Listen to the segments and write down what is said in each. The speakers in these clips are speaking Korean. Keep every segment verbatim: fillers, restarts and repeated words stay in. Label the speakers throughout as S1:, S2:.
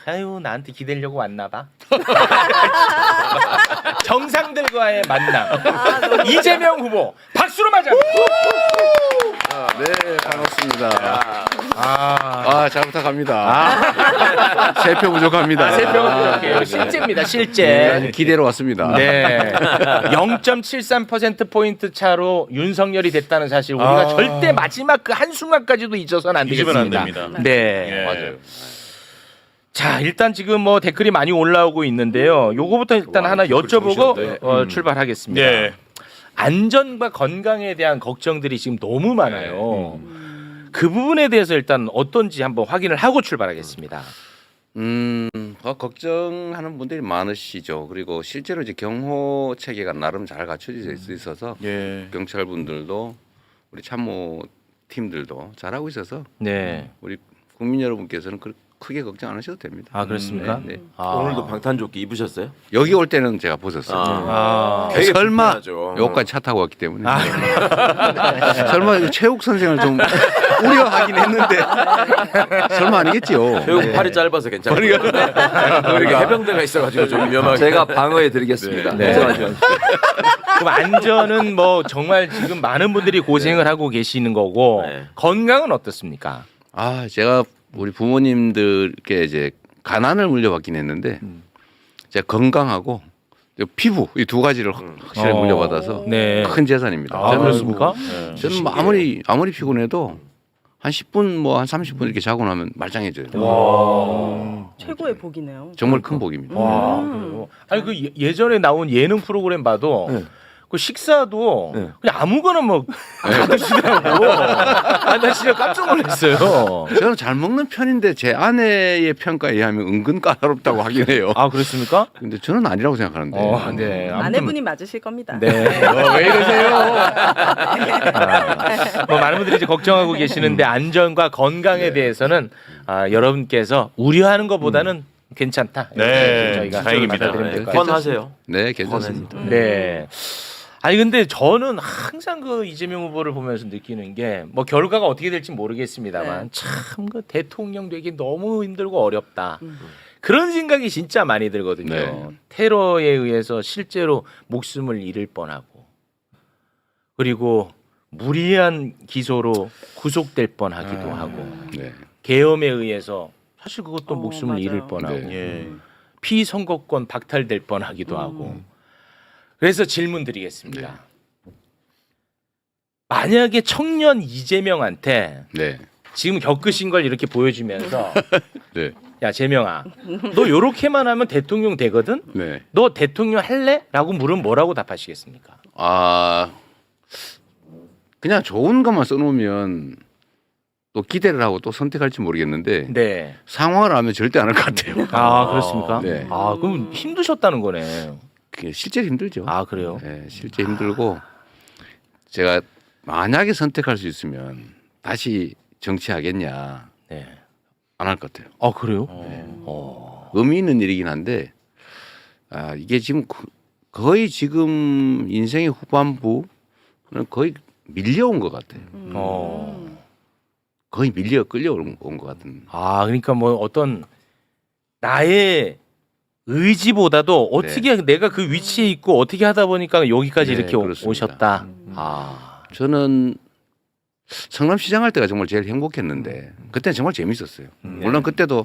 S1: 아유 나한테 기대려고 왔나 봐. 정상들과의 만남.
S2: 아,
S1: 이재명 후보 박수로 맞아.
S3: 네, 반갑습니다.
S1: 아,
S3: 아, 잘 부탁합니다. 세 표 부족합니다.
S1: 아, 세평은 부족해요. 실제입니다. 실제.
S3: 네, 기대로 왔습니다.
S1: 네. 영 점 칠삼 퍼센트 포인트 차로 윤석열이 됐다는 사실 우리가
S4: 아.
S1: 절대 마지막 그 한순간까지도 잊어서는 안
S4: 잊으면
S1: 되겠습니다.
S4: 안 됩니다.
S1: 네.
S4: 예.
S3: 맞아요.
S1: 자, 일단 지금 뭐 댓글이 많이 올라오고 있는데요. 요거부터 일단
S3: 와,
S1: 하나
S3: 댓글
S1: 여쭤보고
S3: 좋으시던데.
S1: 어,
S4: 음.
S1: 출발하겠습니다.
S4: 네.
S1: 안전과 건강에 대한 걱정들이 지금 너무 많아요. 그 부분에 대해서 일단 어떤지 한번 확인을 하고 출발하겠습니다.
S3: 음, 어, 걱정하는 분들이 많으시죠. 그리고 실제로 이제 경호 체계가 나름 잘 갖춰져 있어서
S4: 예.
S3: 경찰 분들도 우리 참모 팀들도 잘하고 있어서
S1: 네.
S3: 우리 국민 여러분께서는 그 크게 걱정 안 하셔도 됩니다.
S1: 아, 그렇습니까?
S3: 네, 네.
S1: 아.
S5: 오늘도 방탄조끼 입으셨어요?
S3: 여기 올 때는 제가 벗었어요.
S1: 아.
S5: 되게
S3: 설마
S5: 불편하죠.
S3: 여기까지 차 타고 왔기 때문에 설마 이거 최욱 선생을 좀 우려하긴 했는데 설마 아니겠지요.
S5: 최욱
S3: 네.
S5: 팔이 짧아서 괜찮아요. 이렇게 해병대가 있어가지고 좀 위험하게.
S6: 제가 방어해드리겠습니다.
S1: 네.
S6: 걱정하지 마십시오.
S1: 그럼 안전은 뭐 정말 지금 많은 분들이 고생을 하고 계시는 거고
S5: 네.
S1: 건강은 어떻습니까?
S3: 아, 제가 우리 부모님들께 이제 가난을 물려받긴 했는데 제가 건강하고 피부 이 두 가지를 확실히
S1: 어.
S3: 물려받아서
S1: 네.
S3: 큰 재산입니다.
S1: 아,
S3: 저는
S1: 그렇습니까?
S4: 예.
S3: 저는 뭐 아무리 아무리 피곤해도 한 십 분 뭐 한 삼십 분 이렇게 자고 나면 말짱해져요.
S1: 와.
S2: 최고의 복이네요.
S3: 정말 큰 복입니다.
S1: 와.
S2: 음.
S1: 그래요? 아니 그 예- 예전에 나온 예능 프로그램 봐도
S6: 네.
S1: 그 식사도
S6: 네.
S1: 그냥 아무거나 뭐 다 드시더라고. 아, 나 진짜 깜짝 놀랐어요.
S3: 저는 잘 먹는 편인데 제 아내의 평가에 의하면 은근 까다롭다고 하긴 해요.
S1: 아, 그렇습니까?
S3: 근데 저는 아니라고 생각하는데.
S1: 어, 네. 아무튼
S2: 아내분이 맞으실 겁니다.
S1: 네. 어, 왜 이러세요? 아, 뭐 많은 분들이 이제 걱정하고 계시는데 안전과 건강에 대해서는 아, 여러분께서 우려하는 것보다는 괜찮다.
S4: 네,
S1: 이렇게 저희가
S4: 다행입니다.
S1: 받아들이면 될
S5: 네,
S1: 것 같아요.
S5: 펀하세요.
S3: 네, 괜찮습니다.
S1: 네. 아니 근데 저는 항상 그 이재명 후보를 보면서 느끼는 게 뭐 결과가 어떻게 될지 모르겠습니다만
S2: 네.
S1: 참 그 대통령 되기 너무 힘들고 어렵다.
S2: 음.
S1: 그런 생각이 진짜 많이 들거든요.
S3: 네.
S1: 테러에 의해서 실제로 목숨을 잃을 뻔하고 그리고 무리한 기소로 구속될 뻔하기도
S4: 아.
S1: 하고
S3: 네.
S1: 계엄에 의해서 사실 그것도
S2: 어,
S1: 목숨을
S2: 맞아요.
S1: 잃을 뻔하고
S3: 네.
S4: 예.
S1: 피선거권 박탈될 뻔하기도
S2: 음.
S1: 하고 그래서 질문 드리겠습니다. 만약에 청년 이재명한테
S3: 네.
S1: 지금 겪으신 걸 이렇게 보여주면서
S3: 네.
S1: 야 재명아 너 요렇게만 하면 대통령 되거든?
S3: 네.
S1: 너 대통령 할래? 라고 물으면 뭐라고 답하시겠습니까?
S3: 아, 그냥 좋은 것만 써놓으면 또 기대를 하고 또 선택할지 모르겠는데
S1: 네.
S3: 상황을 알면 절대 안 할 것 같아요.
S1: 아 그렇습니까?
S3: 네.
S1: 아 그럼 힘드셨다는 거네.
S3: 그게 실제 힘들죠.
S1: 아 그래요?
S3: 네, 실제 힘들고 제가 만약에 선택할 수 있으면 다시 정치하겠냐
S1: 네.
S3: 안 할 것 같아요.
S1: 아 그래요?
S3: 네.
S1: 어.
S3: 의미 있는 일이긴 한데 아, 이게 지금 거- 거의 지금 인생의 후반부는 거의 밀려온 것 같아요.
S2: 음.
S1: 어.
S3: 거의 밀려 끌려온 것 같은.
S1: 아 그러니까 뭐 어떤 나의 의지보다도 어떻게 내가 그 위치에 있고 어떻게 하다 보니까 여기까지
S3: 네,
S1: 이렇게 오-
S3: 그렇습니다.
S1: 오셨다.
S2: 음.
S1: 아.
S3: 저는 성남시장 할 때가 정말 제일 행복했는데 그때는 정말 재밌었어요. 물론 그때도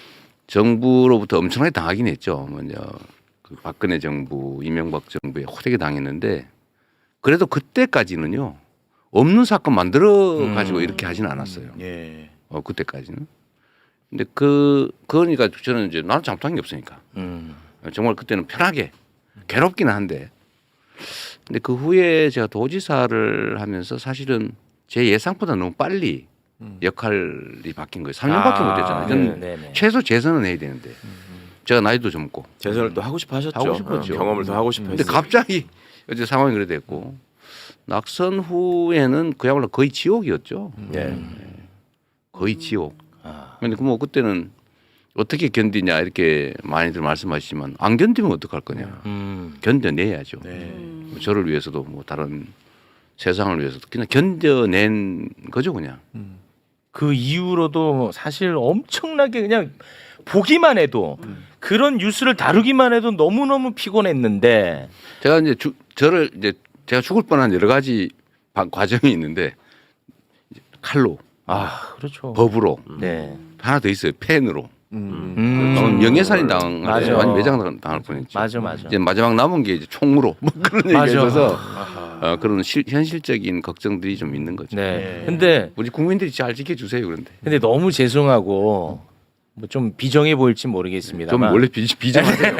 S3: 정부로부터 엄청나게 당하긴 했죠. 먼저 그 박근혜 정부, 이명박 정부에 호되게 당했는데 그래도 그때까지는요 없는 사건 만들어 가지고
S1: 음.
S3: 이렇게 하지는 않았어요.
S4: 예.
S3: 어, 그때까지는. 근데 그 그러니까 저는 이제 나는 잘못한 게 없으니까
S1: 음.
S3: 정말 그때는 편하게 괴롭기는 한데 근데 그 후에 제가 도지사를 하면서 사실은 제 예상보다 너무 빨리 역할이 바뀐 거예요. 삼 년밖에 못 했잖아요. 저는
S1: 네, 네, 네.
S3: 최소 재선은 해야 되는데 제가 나이도 젊고
S5: 재선을 또 하고 싶어 하셨죠.
S3: 하고 싶었죠.
S5: 어, 경험을 더 하고 싶어
S3: 근데
S5: 했어요.
S3: 갑자기 어제 상황이 그래 됐고 낙선 후에는 그야말로 거의 지옥이었죠.
S1: 네.
S3: 거의 지옥.
S1: 아.
S3: 근데 그 뭐 그때는 어떻게 견디냐 이렇게 많이들 말씀하시지만 안 견디면 어떡할 거냐.
S1: 음.
S3: 견뎌내야죠.
S4: 네.
S2: 음.
S3: 뭐 저를 위해서도 뭐 다른 세상을 위해서도 그냥 견뎌낸 거죠 그냥.
S1: 그 이후로도 사실 엄청나게 그냥 보기만 해도 그런 뉴스를 다루기만 해도 너무 너무 피곤했는데
S3: 제가 이제 주, 저를 이제 제가 죽을 뻔한 여러 가지 바, 과정이 있는데 칼로,
S1: 아 그렇죠.
S3: 법으로
S1: 네.
S3: 하나 더 있어요. 펜으로.
S5: 음.
S1: 음.
S3: 저는 명예살인 당할
S1: 맞아.
S3: 완전 매장 당할 뻔했죠.
S1: 맞아 맞아.
S3: 이제 마지막 남은 게 이제 총으로 뭐 그런 얘기가
S1: 맞아.
S3: 있어서 어, 그런 실, 현실적인 걱정들이 좀 있는 거죠.
S1: 네. 근데
S3: 우리 국민들이 잘 지켜주세요. 그런데
S1: 근데 너무 죄송하고 뭐 좀 비정해 보일지 모르겠습니다.
S3: 좀 원래 비, 비정하세요.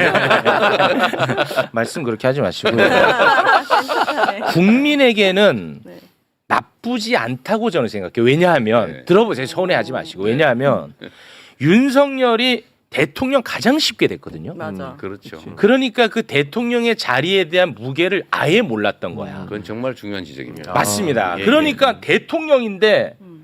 S1: 말씀 그렇게 하지 마시고요. 국민에게는
S2: 네.
S1: 나쁘지 않다고 저는 생각해요. 왜냐하면
S3: 네.
S1: 들어보세요. 서운해하지 마시고 왜냐하면 윤석열이 대통령 가장 쉽게 됐거든요.
S2: 맞아.
S3: 음, 그렇죠.
S1: 그러니까 그 대통령의 자리에 대한 무게를 아예 몰랐던 거야.
S3: 그건 정말 중요한 지적입니다.
S1: 맞습니다.
S5: 예,
S1: 그러니까 대통령인데
S2: 음.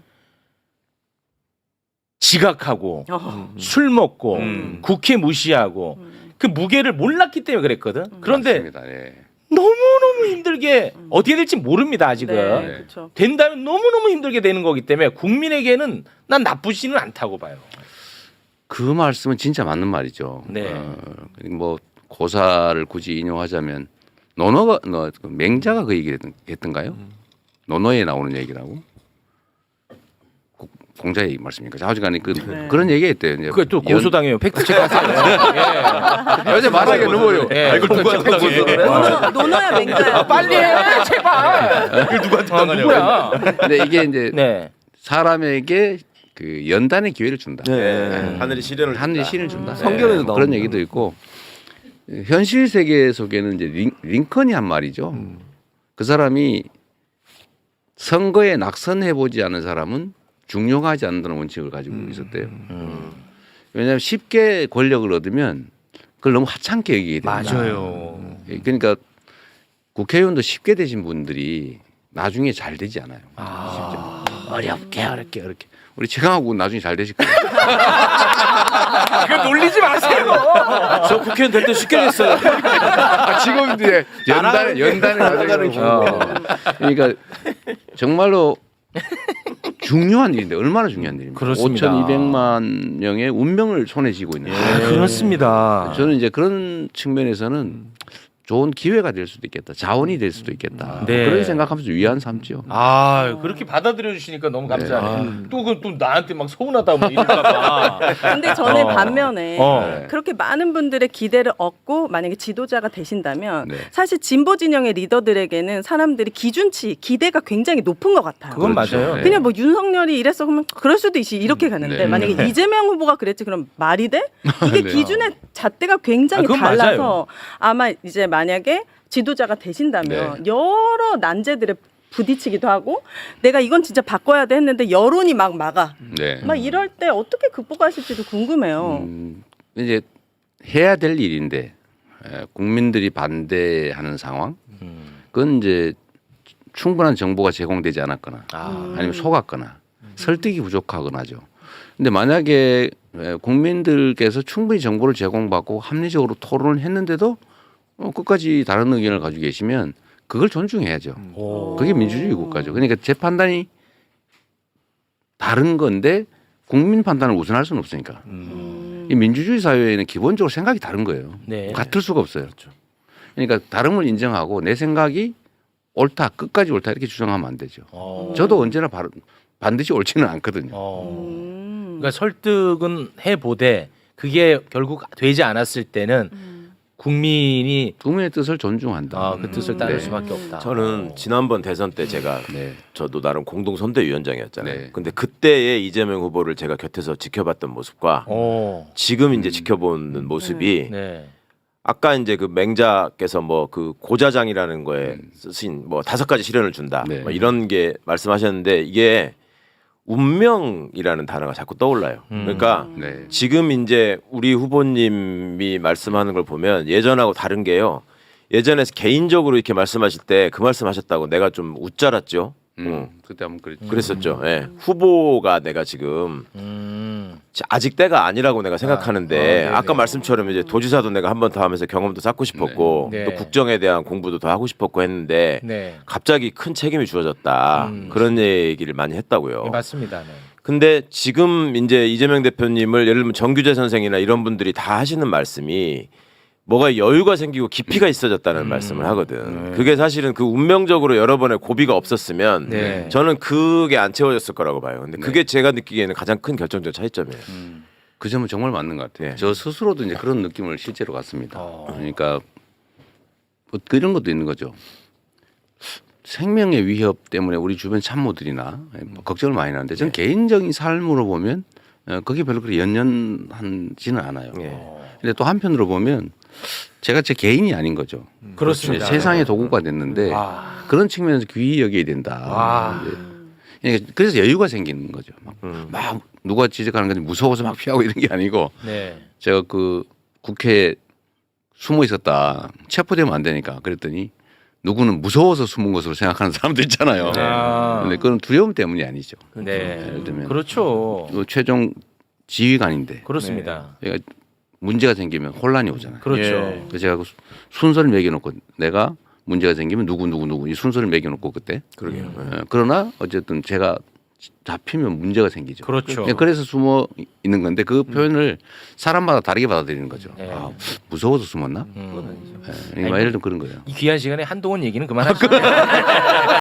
S1: 지각하고
S2: 어.
S1: 술 먹고
S5: 음.
S1: 국회 무시하고
S2: 음.
S1: 그 무게를 몰랐기 때문에 그랬거든. 그런데
S3: 맞습니다. 예.
S1: 너무너무 힘들게 어떻게 될지 모릅니다 아직은.
S2: 네,
S3: 네.
S2: 그렇죠.
S1: 된다면 너무너무 힘들게 되는 거기 때문에 국민에게는 난 나쁘지는 않다고 봐요.
S3: 그 말씀은 진짜 맞는 말이죠.
S1: 네.
S3: 어, 뭐 고사를 굳이 인용하자면 노노가 너, 그 맹자가 그 얘기를 했던, 했던가요? 노노에 나오는 얘기라고? 고- 공자 얘기 말씀입니까? 자오지간에 그
S2: 네.
S3: 그런 얘기했대요. 이제
S1: 그게 또
S3: 연-
S1: 고소당해요. 팩트 체크하세요.
S3: 요새 말하기 넘어요.
S1: 예.
S5: 아, 이걸 누구한테 당해?
S2: 노노, 노노야 맹자야.
S1: 아, 빨리 해 제발.
S5: 이걸 누구한테
S1: 아,
S5: 당하냐고.
S1: 누구야?
S3: 근데 이게 이제
S1: 네.
S3: 사람에게 그 연단의 기회를 준다.
S5: 네. 하늘이 시련을
S3: 하늘이
S5: 준다.
S3: 신을 준다.
S2: 음.
S5: 성경에도
S3: 뭐 그런
S5: 나옵니다.
S3: 얘기도 있고 현실 세계 속에는 이제 링, 링컨이 한 말이죠.
S5: 음.
S3: 그 사람이 선거에 낙선해 보지 않은 사람은 중용하지 않는다는 원칙을 가지고 있었대요.
S1: 음.
S3: 왜냐하면 쉽게 권력을 얻으면 그걸 너무 하찮게 여기게 됩니다.
S1: 맞아요.
S3: 그러니까 국회의원도 쉽게 되신 분들이 나중에 잘 되지 않아요.
S1: 아.
S3: 어렵게 어렵게 어렵게. 우리 최강하고 나중에 잘 되실 거예요.
S1: 이거 놀리지 마세요.
S5: 저 국회의원 될 때 쉽게 됐어요.
S3: 아, 지금 이제 연단 연단을
S5: 나가는
S3: 가지고 어. 그러니까 정말로 중요한 일인데 얼마나 중요한 일입니까?
S1: 그렇습니다.
S3: 오천이백만 명의 운명을 손에 쥐고 있는.
S1: 아, 그렇습니다.
S3: 저는 이제 그런 측면에서는 좋은 기회가 될 수도 있겠다. 자원이 될 수도 있겠다.
S1: 네.
S3: 그렇게 생각하면서 위안 삼죠.
S1: 아 그렇게 받아들여 주시니까 너무 감사하네요. 또 그 또 나한테 막 서운하다 뭐 이럴까봐.
S2: 근데 저는
S1: 어.
S2: 반면에
S1: 어.
S2: 그렇게 많은 분들의 기대를 얻고 만약에 지도자가 되신다면
S3: 네.
S2: 사실 진보 진영의 리더들에게는 사람들이 기준치 기대가 굉장히 높은 것 같아요.
S1: 그건
S3: 그렇죠.
S1: 맞아요.
S3: 네.
S2: 그냥 뭐 윤석열이 이랬어 그러면 그럴 수도 있지 이렇게 가는데
S3: 네.
S2: 만약에 이재명 후보가 그랬지 그럼 말이 돼? 이게
S3: 네.
S2: 기준의 잣대가 굉장히
S1: 아, 그건
S2: 달라서
S1: 맞아요.
S2: 아마 이제 만약에 지도자가 되신다면 여러 난제들에 부딪히기도 하고 내가 이건 진짜 바꿔야 돼 했는데 여론이 막 막아
S3: 네.
S2: 막 이럴 때 어떻게 극복하실지도 궁금해요.
S3: 음, 이제 해야 될 일인데 에, 국민들이 반대하는 상황.
S1: 음.
S3: 그건 이제 충분한 정보가 제공되지 않았거나
S1: 아.
S3: 아니면 속았거나 설득이 부족하거나죠. 근데 만약에 에, 국민들께서 충분히 정보를 제공받고 합리적으로 토론을 했는데도 어, 끝까지 다른 의견을 가지고 계시면 그걸 존중해야죠.
S1: 오.
S3: 그게 민주주의 국가죠. 그러니까 제 판단이 다른 건데 국민 판단을 우선할 수는 없으니까.
S2: 음.
S3: 이 민주주의 사회에는 기본적으로 생각이 다른 거예요.
S1: 네.
S3: 같을 수가 없어요. 그러니까 다름을 인정하고 내 생각이 옳다, 끝까지 옳다 이렇게 주장하면 안 되죠.
S1: 어.
S3: 저도 언제나 바로, 반드시 옳지는 않거든요.
S1: 어.
S2: 음.
S1: 그러니까 설득은 해보되 그게 결국 되지 않았을 때는
S2: 음.
S1: 국민이
S3: 국민의 뜻을 존중한다.
S1: 아, 그 뜻을 따를
S3: 네.
S1: 수밖에 없다.
S5: 저는 지난번 대선 때 제가
S3: 네.
S5: 저도 나름 공동 선대위원장이었잖아요.
S3: 네.
S5: 근데 그때의 이재명 후보를 제가 곁에서 지켜봤던 모습과
S1: 오.
S5: 지금 이제 지켜보는 모습이
S1: 네.
S5: 아까 이제 그 맹자께서 뭐 그 고자장이라는 거에 쓰신 뭐 다섯 가지 시련을 준다
S3: 네.
S5: 뭐 이런 게 말씀하셨는데 이게 운명이라는 단어가 자꾸 떠올라요.
S1: 음.
S5: 그러니까
S3: 네.
S5: 지금 이제 우리 후보님이 말씀하는 걸 보면 예전하고 다른 게요. 예전에 개인적으로 이렇게 말씀하실 때 그 말씀하셨다고 내가 좀 웃잘았죠.
S3: 음,
S5: 어.
S3: 그때 한번 그랬죠.
S5: 그랬었죠. 예. 후보가 내가 지금
S1: 음.
S5: 아직 때가 아니라고 내가 생각하는데
S1: 아, 네네.
S5: 아, 까 말씀처럼 이제 도지사도 내가 한 번 더 하면서 경험도 쌓고 싶었고
S1: 네.
S5: 또
S1: 네.
S5: 국정에 대한 공부도 더 하고 싶었고 했는데
S1: 네.
S5: 갑자기 큰 책임이 주어졌다
S1: 음.
S5: 그런 얘기를 많이 했다고요.
S1: 네, 맞습니다. 네.
S5: 근데 지금 이제 이재명 대표님을 예를 들면 정규재 선생이나 이런 분들이 다 하시는 말씀이 뭐가 여유가 생기고 깊이가 있어졌다는
S1: 음.
S5: 말씀을 하거든.
S1: 네.
S5: 그게 사실은 그 운명적으로 여러 번의 고비가 없었으면
S1: 네.
S5: 저는 그게 안 채워졌을 거라고 봐요. 근데 그게 제가 느끼기에는 가장 큰 결정적 차이점이에요.
S3: 그 점은 정말 맞는 것 같아요.
S5: 네.
S3: 저 스스로도 이제 그런 느낌을 실제로 갖습니다.
S1: 어.
S3: 그러니까 뭐 그런 것도 있는 거죠. 생명의 위협 때문에 우리 주변 참모들이나 뭐 걱정을 많이 하는데 저는
S5: 네.
S3: 개인적인 삶으로 보면 어, 그게 별로 그렇게 연연하지는 않아요.
S5: 예.
S3: 근데 또 한편으로 보면 제가 제 개인이 아닌 거죠.
S1: 그렇습니다.
S3: 세상의 도구가 됐는데
S1: 아.
S3: 그런 측면에서 귀히 여겨야 된다.
S1: 아.
S3: 이제 그러니까 그래서 여유가 생기는 거죠. 막,
S5: 음.
S3: 막 누가 지적하는 건데 무서워서 막 피하고 이런 게 아니고
S1: 네.
S3: 제가 그 국회에 숨어 있었다 체포되면 안 되니까 그랬더니 누구는 무서워서 숨은 것으로 생각하는 사람도 있잖아요.
S1: 아.
S3: 근데 그건 두려움 때문이 아니죠.
S1: 네.
S3: 예를 들면
S1: 그렇죠.
S3: 그 최종 지휘관인데
S1: 그렇습니다.
S3: 얘가 문제가 생기면 혼란이 오잖아요.
S1: 그렇죠.
S5: 예.
S3: 그래서 제가 그 수- 순서를 매겨놓고 내가 문제가 생기면 누구 누구 누구 이 순서를 매겨놓고 그때
S5: 그러게요.
S3: 어, 그러나 어쨌든 제가 잡히면 문제가 생기죠.
S1: 그렇죠.
S3: 예, 그래서 숨어 있는 건데 그 표현을 사람마다 다르게 받아들이는 거죠.
S1: 네.
S3: 아, 무서워서 숨었나?
S1: 음.
S3: 예, 그러니까 예를 들면 그런 거예요.
S1: 이 귀한 시간에 한동훈 얘기는 그만합시다.